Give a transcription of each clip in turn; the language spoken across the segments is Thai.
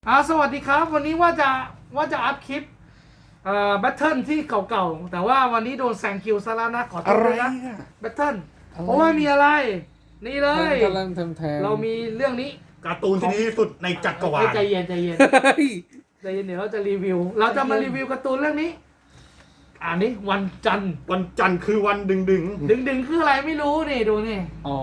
สวัสดีครับวันนี้ว่าจะอัพคลิปแบทเทิลที่เก่าๆแต่ว่าวันนี้โดนแซงคิวซะแล้วนะขอโทษด้วยนะแบทเทิลเพราะว่ามีอะไรนี่เลยเรามีเรื่องนี้การ์ตูนที่ดีที่สุดในจักรวาลใจเย็นเดี๋ยวเราจะรีวิวเราจะมารีวิวการ์ตูนเรื่องนี้นี้วันจันทร์คือวันดึงดึงคืออะไรไม่รู้นี่ดูนี่อ๋อ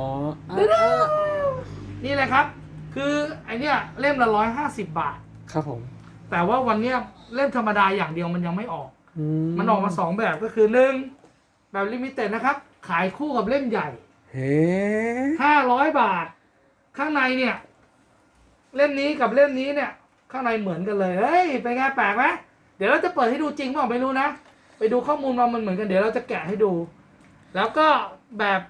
นี่แหละครับคือไอเนี้ยเล่มละ150 บาทครับผมแต่ว่าวันเนี้ยเล่มธรรมดาอย่างเดียวมันยังไม่ออกมันออกมา2แบบก็คือ1แบบลิมิเต็ดนะครับขายคู่กับเล่มใหญ่เฮ้ 500 บาทข้างในเนี่ยเล่มนี้กับเล่มนี้เนี่ยข้างในเหมือนกันเลยเฮ้ยเป็นไงแปลกไหมเดี๋ยวเราจะเปิดให้ดูจริงเปล่าไม่รู้นะไปดูข้อมูลมันเหมือนกันเดี๋ยวเราจะแกะให้ดู แล้วก็แบบ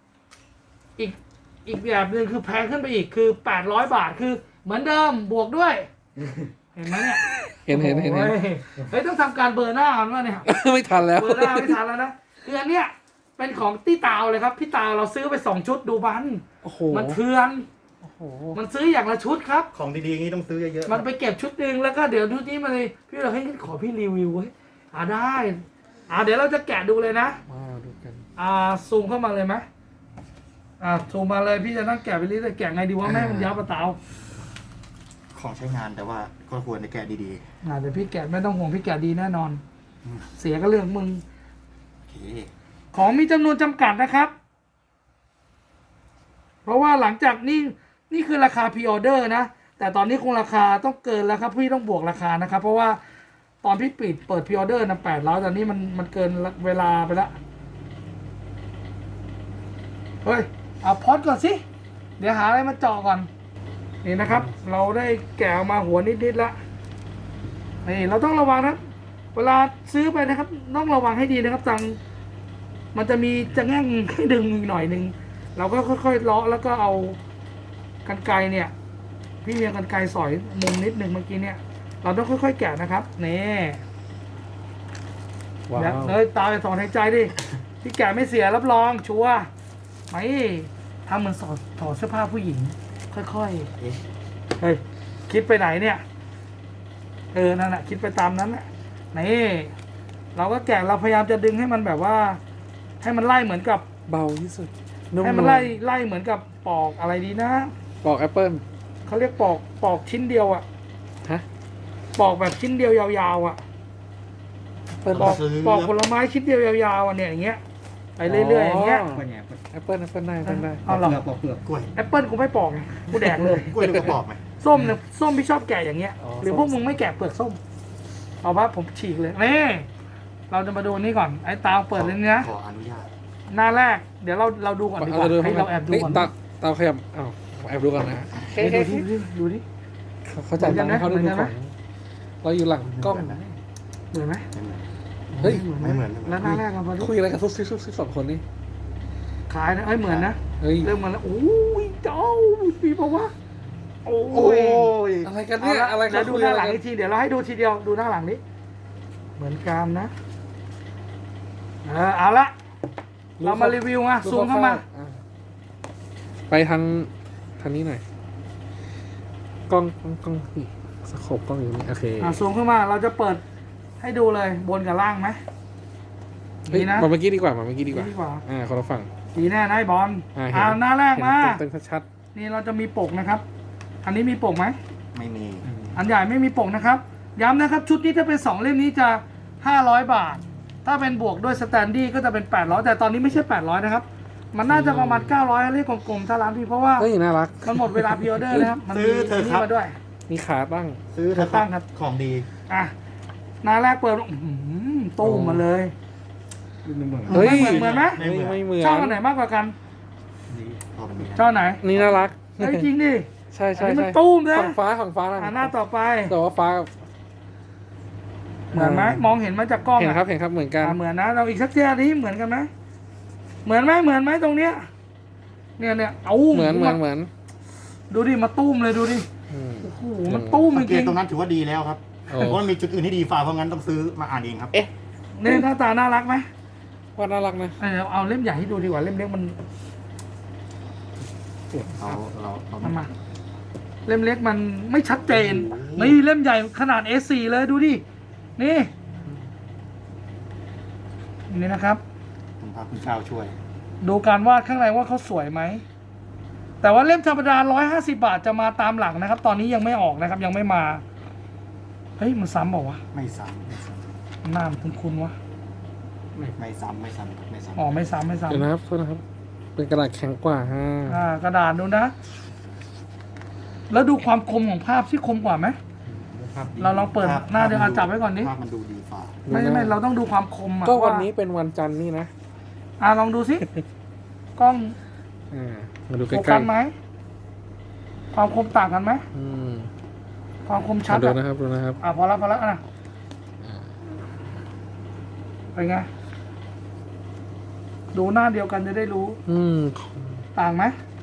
อีกแบบหนึ่งคือแพงขึ้นไปอีกคือ800 บาทคือเหมือนเดิมบวกด้วย เห็นไหมเนี่ยเห็นเฮ้ยต้องทำการเบอร์หน้ากันว่าเนี่ยไม่ทันแล้วเบอร์หน้าไม่ทันแล้วนะคืออันเนี้ยเป็นของตี้ตาวเลยครับพี่ตาวเราซื้อไป2 ชุดดูมันเถื่อนมันซื้ออย่างละชุดครับของดีๆอย่างนี้ต้องซื้อเยอะๆมันไปเก็บชุดหนึ่งแล้วก็เดี๋ยวชุดนี้มาเลยพี่เราให้ขอพี่รีวิวไว้ได้เดี๋ยวเราจะแกะดูเลยนะดูกันซูมเข้ามาเลยไหมซูมมาเลยพี่จะนั่งแกะไปเรื่อยๆแกะไงดีว่าแม่มันยับปะเตาของใช้งานแต่ว่าก็ควรจะแกะดีๆเดี๋ยวพี่แกะไม่ต้องห่วงพี่แกะดีแน่นอนเสียก็เรื่องมึงของมีจำนวนจำกัดนะครับเพราะว่าหลังจากนี่คือราคาพรีออเดอร์นะแต่ตอนนี้คงราคาต้องเกินแล้วครับพี่ต้องบวกราคานะครับเพราะว่าตอนพี่เปิดพรีออเดอร์นะ800ตอนนี้มันเกินเวลาไปแล้วเฮ้ยเอาพอดก่อนสิเดี๋ยวหาอะไรมาเจาะก่อนนี่นะครับเราได้แกะออกมาหัวนิดๆแล้วนี่เราต้องระวังนะเวลาซื้อไปนะครับต้องระวังให้ดีนะครับมันจะมีจะแง่งให้ดึงอีกหน่อยนึงเราก็ค่อยๆเลาะแล้วก็เอากรรไกรเนี่ยพี่เมียกรรไกรสอยมุมนิดนึงเมื่อกี้เนี่ยเราต้องค่อยๆแกะนะครับนี่เลยตาไปถอนหายใจดิที่แกะไม่เสียรับรองชัวร์ไม่ทำเหมือนถอดเสื้อผ้าผู้หญิงค่อยๆเฮ้ยคิดไปไหนเนี่ยนั่นแหละคิดไปตามนั้นแหละนี่เราก็แกะเราพยายามจะดึงให้มันแบบว่าให้มันไล่เหมือนกับเบาที่สุดให้มันไล่เหมือนกับปอกอะไรดีนะปอกแอปเปิ้ลเขาเรียกปอกชิ้นเดียวอ่ะปอกแบบชิ้นเดียวยาวๆอ่ะปอกผลไม้ชิ้นเดียวยาวๆเนี่ยอย่างเงี้ยไปเรื่อยๆอย่างเงี้ยแอปเปิ้ลได้เอาหรอปอกเปลือกกล้วยแอปเปิ้ลกูไม่ปอกไงกูแดกเลยกล้วยก็ปอกไหมส้มเนี่ยส้มพี่ชอบแกะอย่างเงี้ยหรือพวกมึงไม่แกะเปลือกส้มเอาว่าผมฉีกเลยนี่เราจะมาดูนี่ก่อนไอ้ตาเปิดเลยนะขออนุญาตหน้าแรกเดี๋ยวเราดูก่อนดีกว่าให้เราแอบดูก่อนตาขยับแอบดูก่อนนะดูดิเขาจัดตั้งให้เขาดูของเราอยู่หลังกล้องเหมือนไหมเฮ้ยไม่เหมือนแล้วหน้าแรกเราคุยอะไรกับซุบ2 คนนี่ขายนะเหมือนนะเริ่มมาแล้วโอ้ยเจ้าปีบอกว่าโอ้ยอะไรกันเนี่ยอะไรกันดูหน้าหลังอีกทีเดี๋ยวเราให้ดูทีเดียวดูหน้าหลังนี้เหมือนกันนะเอาละเรามารีวิวมาซูมเข้ามาไปทางนี้หน่อยกล้องสโคปกล้องอยู่นี่โอเคซูมเข้ามาเราจะเปิดให้ดูเลยบนกับล่างไหมดีนะมาเมื่อกี้ดีกว่าคนละฝั่งดีแน่นายบอลหน้าแรกมาเต็มชัดนี่เราจะมีปกนะครับอันนี้มีปกไหมไม่มีอันใหญ่ไม่มีปกนะครับย้ำนะครับชุดนี้ถ้าเป็น2 เล่มนี้จะ500 บาทถ้าเป็นบวกด้วยสแตนดี้ก็จะเป็น800แต่ตอนนี้ไม่ใช่800นะครับมันน่าจะประมาณ900เลขกลมๆถ้าร้านพี่เพราะว่าน่ารักมันหมดเวลาพรีออเดอร์นะครับมันมีนี่มาด้วยมีขาตั้งซื้อตั้งครับของดีหน้าแรกเปิดตู้มาเลยเฮ้ยเหมือนไหมไม่เหมือนชอบอันไหนมากกว่ากันชอบไหนนี่น่ารักจริงดิใช่มันตู้มเลยฝั่งฟ้าหน้าต่อไปแต่ว่าฟ้าเหมือนไหมมองเห็นมาจากกล้องเห็นครับเหมือนกันเหมือนนะเราอีกสักเทียนี้เหมือนกันไหมเหมือนไหมตรงเนี้ยเนี่ยเอาเหมือนดูดิมาตู้มเลยดูดิโอ้โหมันตู้มจริงตรงนั้นถือว่าดีแล้วครับเพราะมันมีจุดอื่นที่ดีฝ่าเพราะงั้นต้องซื้อมาอ่านเองครับเนี่ยหน้าตาน่ารักไหมว่าน่ารักนะเอาเล่มใหญ่ให้ดูดีกว่าเล่มเล็กมันเรามาเล่มเล็กมันไม่ชัดเจนนี่เล่มใหญ่ขนาด A4 เลยดูดินี่นี่นะครับผมพาคุณเช้าช่วยดูการวาดข้างในว่าเขาสวยไหมแต่ว่าเล่มธรรมดา150 บาทจะมาตามหลังนะครับ ตอนนี้ยังไม่ออกนะครับ ยังไม่มาเฮ้ยมันซ้ำเปล่าวะไม่ซ้ำไม่ซ้หน้ามันคุ้นๆวะำไม่ซ้ำไม่ซ้ำไม่ซ้ำอ๋อไม่ซ้ำไม่ซ้ำเดี๋ยวนะครับโทษนะครับ เป็นกระดาษแข็งกว่าฮะกระดาษดูนะ แล้วดูความคมของภาพที่คมกว่าไหมภาพดีเราลองเปิดหน้าเดี๋ยวจับไว้ก่อนดิภาพมันดูดีฝ่าไม่เราต้องดูความคมอะก็วันนี้เป็นวันจันทร์นี่นะลองดูสิกล้องมาดูใกโฟล้กัสไหมความคมต่างกันไหมๆอืมความคมชัดดูอะนะครับดูนะครับพอแล้วนะเป็นไงดูหน้าเดียวกันจะได้รู้อืมต่างไหม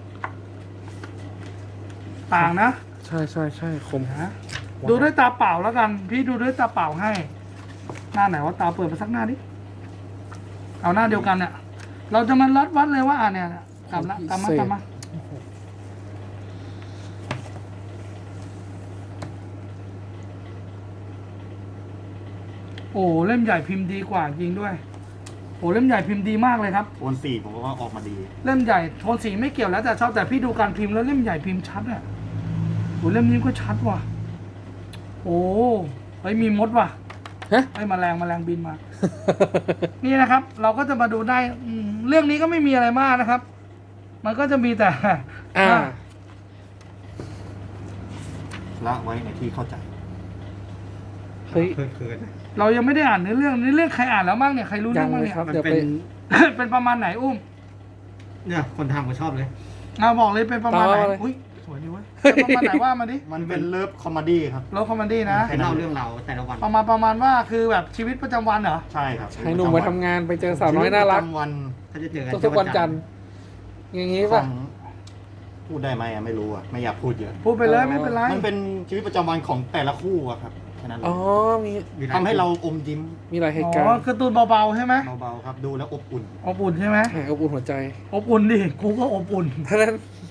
ต่างนะใช่ใช่ใช่คมนะดูด้วยตาเปล่าแล้วกัน พี่ดูด้วยตาเปล่าให้ หน้าไหนว่าตาเปิดมาสักหน้าดิเอาหน้าเดียวกันเนี่ยเราจะมาวัดเลยว่าเนี่ยกลับมาโอ้เล่มใหญ่พิมพ์ดีกว่าจริงด้วยโอ้เล่มใหญ่พิมพ์ดีมากเลยครับโอนสีผมว่าออกมาดีเล่มใหญ่โทนสีไม่เกี่ยวแล้วแต่ชอบแต่พี่ดูการพิมพ์แล้วเล่มใหญ่พิมพ์ชัดอ่ะโอ้เล่มนี้ก็ชัดว่ะโอ้เฮ้ยมีมดว่ะฮะไอ้แมลงบินมา นี่นะครับ เราก็จะมาดูได้เรื่องนี้ก็ไม่มีอะไรมากนะครับ มันก็จะมีแต่ละไว้ในที่เข้าใจเฮ้ยเคินเรายังไม่ได้อ่านเนื้อเรื่องใครอ่านแล้วบ้างเนี่ยใครรู้ยัเรื่องงบ้างเลยเนี่ยครับมันเดี๋ยวเป็ไปนเป็นประมาณไหนอุ้มเนี่ยคนทำก็ชอบเลยบอกเลยเป็นประมาณไหนต่อเลยอุ้ยสวยดีเว้ยเป็นประมาณไหนว่ามาดิมันเป็นเลิฟคอมเมดี้ครับโลคอมเมดี้นะให้เล่าเรื่องเราแต่ละวันประมาณว่าคือแบบชีวิตประจำวันเหรอใช่ครับให้หนุ่มมาทำงานไปเจอสาวน้อยน่ารักชีวิตประจำวันถ้าจะเจอกันทุกๆวันจันทร์อย่างงี้ขอป่ะงพูดได้ไหมอะไม่รู้อะไม่อยากพูดเยอะพูดไปเลยไม่เป็นไรมันเป็นชีวิตประจำวันของแต่ละคู่อะครับแค่นั้นเลอ๋ยอมีทำให้เราอมยิ้มมีหลายเหตุอ๋การอณ์การ์ตูนเบาๆใช่ไหมเบาๆครับดูแล้วอบอุ่นอบอุ่นใช่ไหมอบอุ่นหัวใจอบอุ่นดิกูก็อบอุ่นเท่านั้น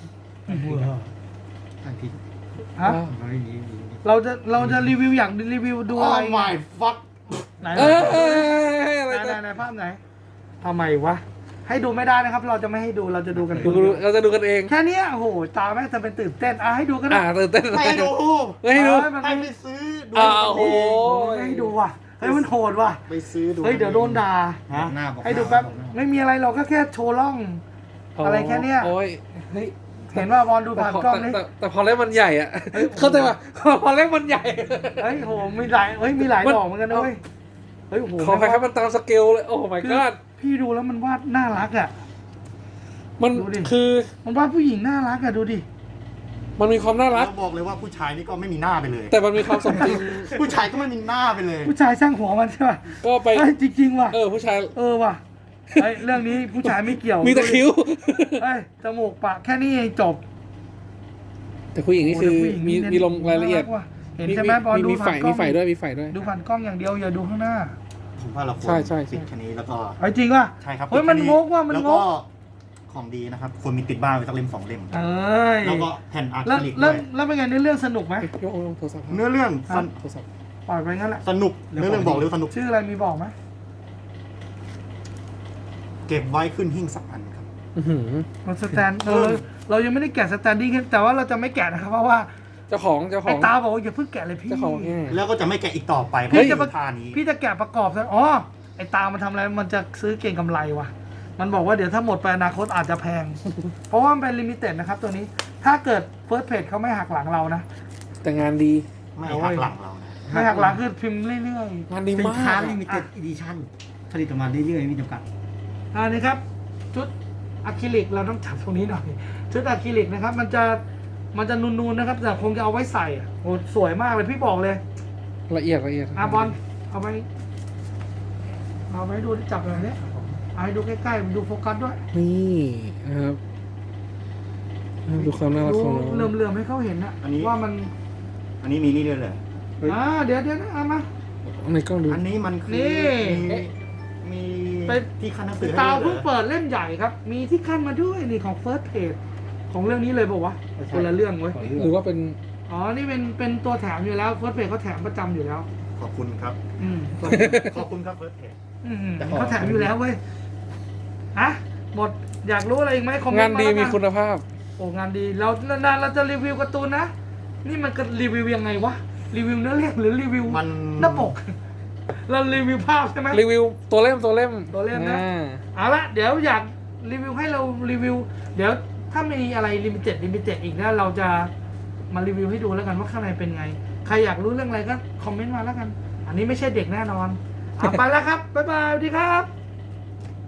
อันที่ฮะไม่มีเราจะรีวิวอยากรีวิวดูโอ้อะไร my fuck ไหนเอออะไรไหนภาพไหนทำไมวะให้ดูไม่ได้นะครับ เราจะไม่ให้ดูเราจะดูกันเราจะดูกันเองแค่เนี้ยโอ้โหตาแม่งจะเป็นตื่นเต้นให้ดูก็ได้ตื่นเต้นไม่ให้ดูไม่ให้ดูมันให้ไม่ไปซื้อดูโอ้โหไม่ให้ดูว่ะเฮ้ยมันโหดว่ะไปซื้อดูเฮ้ยเดี๋ยวโดนด่าฮะหน้าบอกให้ดูแป๊บไม่มีอะไรเราก็แค่โชว์ร่อง อะไรแค่เนี้ยโอ้ยเฮ้ยเห็นว่าบอลดูผ่านกล้องนี่แต่พอเล่มมันใหญ่อะเข้าใจป่ะพอเล่มมันใหญ่เฮ้ยโหมีหลายดอกเหมือนกันนะเว้ยเฮ้ยโอ้โหขอใครครับมันตามสเกลเลยโอ้ my คือ god พี่ดูแล้วมันวาดน่ารักอ่ะมันดูดิคือมันวาดผู้หญิงน่ารักอ่ะดูดิมันมีความน่ารักเราบอกเลยว่าผู้ชายนี่ก็ไม่มีหน้าไปเลยแต่มันมีความสมจริงผู้ชายก็ไม่มีหน้าไปเลยผู้ชายสร้างหัวมันใช่ป่ะก็ไปเฮ้ยจริงๆว่ะผู้ชายว่ะเฮ้ยเรื่องนี้ผู้ชายไม่เกี่ยวมีแต่คิ้วเฮ้ยจมูกปากแค่นี้เองจบแต่ผู้หญิงนี่คือโโหแต่ผู้หญิงมีลงรายละเอียดน่รักว่ะเห็นใช่ไหมบอลดูมีผ่านกล้องมีฝ่ายด้วยมีฝ่ายด้วยดูผ่านกล้องอย่างเดียวอย่าดูข้างหน้าผมว่าเราควรใช่ปิดแค่นี้แล้วก็เฮ้ยจริงว่ะใช่ครับเฮ้ยมันปิดงแค่กว่ะมันแล้วงก็กของดีนะครับควรมีติดบ้านไว้สักเล่ม2 เล่มเอ้ยแล้วก็แผ่นอะคแล้วริลิกแล้วด้วยแล้วเป็นไงในเรื่องสนุกไหมยกโทรศัพท์เนื้อเรื่องสนโทรศัพท์ปล่อยไปงั้นแหละสนุกเนื้อเรื่องบอกเลยว่าสนุกชื่ออะไรมีบอกไหมเก็บไว้ขึ้นหิ้งสักอันครับเราสแตนเรายังไม่ได้แกะสแตนดิ้งแต่ว่าเราจะไม่แกะนะครับเพราะว่าเจ้าของไอ้ตาบอกว่าอย่าเพิ่งแกะเลยพี่เจ้าของเนี่ยแล้วก็จะไม่แกะอีกต่อไปเพพี่ราะจะท่านี้พี่จะแกะประกอบซะอ๋อไอ้ตามันทำอะไรมันจะซื้อเก่งกำไรว่ะมันบอกว่าเดี๋ยวถ้าหมดไปอนาคตอาจจะแพง เพราะว่ามันเป็นลิมิเต็ดนะครับตัวนี้ถ้าเกิดเฟิร์สเพจเขาไม่หักหลังเรานะแต่งานดีไม่หักหลังเรานะไม่หักหลังคือพิมพ์เรื่อยงานดีสินมากค้าลิมิเต็ดอีดิชั่นผลิตออกมาเรื่อยๆไม่จำกัดๆอันนี้ครับชุดอะคริลิกเราต้องจับตรงนี้หน่อยชุดอะคริลิกนะครับมันจะนูนๆนะครับแต่คงจะเอาไว้ใส่อะโอ้สวยมากเลยพี่บอกเลยละเอียดบอลเอาไปดูจับหน่อยเนี่ยเอาให้ดูใกล้ๆดูโฟกัสด้วยนี่นะครับดูความน่ารักดูของน้องเหลื่อมๆให้เขาเห็นนะว่ามันอันนี้มีนี่ด้วยเลยเดี๋ยวนะเอามาในกล้องดูอันนี้มันคือนี่มีเป็นที่ขั้นหนังสือให้ตาด้วยเหรเพิ่งอเปิดเล่มใหญ่ครับ มีที่ขั้นมาด้วยนี่ของ First Page ของเรื่องนี้เลยบอกว่าวะคนละเรื่องเว้ยหรือว่าเป็นอ๋อนี่เป็นตัวแถมอยู่แล้วเฟิร์สเพจเขาแถมประจำอยู่แล้วขอบคุณครับตัวขอบคุณครับเฟิร์สเพจเขาแถมอยู่แล้วเว้ยอะหมดอยากรู้อะไรอีกไหมคอมเมนต์งานดีแล้วกัมีคุณภาพโอ้งานดีเรานานๆเราจะรีวิวการ์ตูนนะนี่มันก็รีวิวยังไงวะรีวิวเนื้อเรื่องหรือรีวิวมันหน้าปก เรารีวิวภาพใช่ไหมรีวิวตัวเล่มตัวเล่มนะอ่าเอาละเดี๋ยวอยากรีวิวให้เรารีวิว เดี๋ยวถ้ามีอะไรลิมิเต็ดอีกนะเราจะมารีวิวให้ดูแล้วกันว่าข้างในเป็นไง ใครอยากรู้เรื่องอะไรก็คอมเมนต์มาแล้วกัน อันนี้ไม่ใช่เด็กแน่นอนเอาไปแล้วครับบ๊ายบายสวัสดีครับ